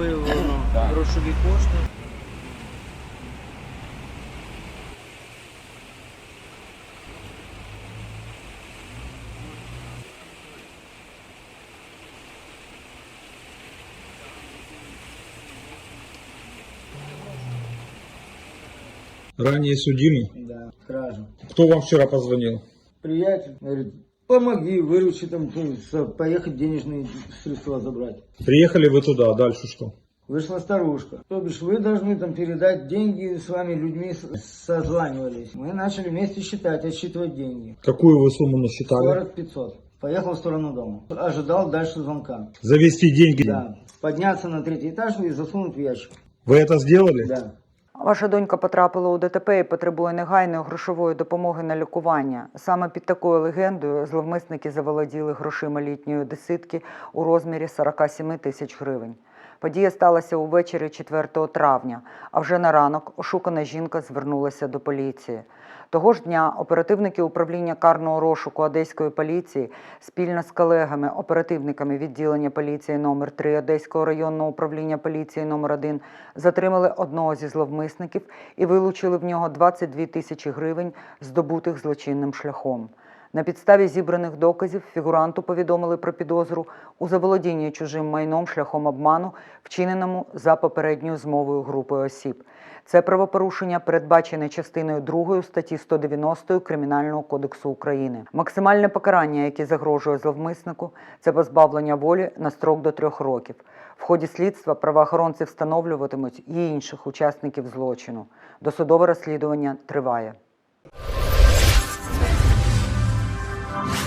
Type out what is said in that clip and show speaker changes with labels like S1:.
S1: виявлено грошові кошти.
S2: Ранее судимый?
S3: Да, кража.
S2: Кто вам вчера позвонил?
S3: Приятель говорит, помоги, выручи там, поехать денежные средства забрать.
S2: Приехали вы туда, дальше что?
S3: Вышла старушка. То бишь вы должны там передать деньги, с вами людьми созванивались. Мы начали вместе считать, отсчитывать деньги.
S2: Какую вы сумму насчитали?
S3: 40-500. Поехал в сторону дома. Ожидал дальше звонка.
S2: Завести деньги?
S3: Да. Подняться на 3-й этаж и засунуть в ящик.
S2: Вы это сделали?
S3: Да.
S4: Ваша донька потрапила у ДТП і потребує негайної грошової допомоги на лікування. Саме під такою легендою зловмисники заволоділи грошима літньої одеситки у розмірі 47 тисяч гривень. Подія сталася увечері 4 травня, а вже на ранок ошукана жінка звернулася до поліції. Того ж дня оперативники управління карного розшуку Одеської поліції спільно з колегами-оперативниками відділення поліції номер 3 Одеського районного управління поліції номер 1 затримали одного зі зловмисників і вилучили в нього 22 тисячі гривень, здобутих злочинним шляхом. На підставі зібраних доказів фігуранту повідомили про підозру у заволодінні чужим майном шляхом обману, вчиненому за попередньою змовою групою осіб. Це правопорушення передбачене частиною 2 статті 190 Кримінального кодексу України. Максимальне покарання, яке загрожує зловмиснику, це позбавлення волі на строк до 3 років. В ході слідства правоохоронці встановлюватимуть і інших учасників злочину. Досудове розслідування триває.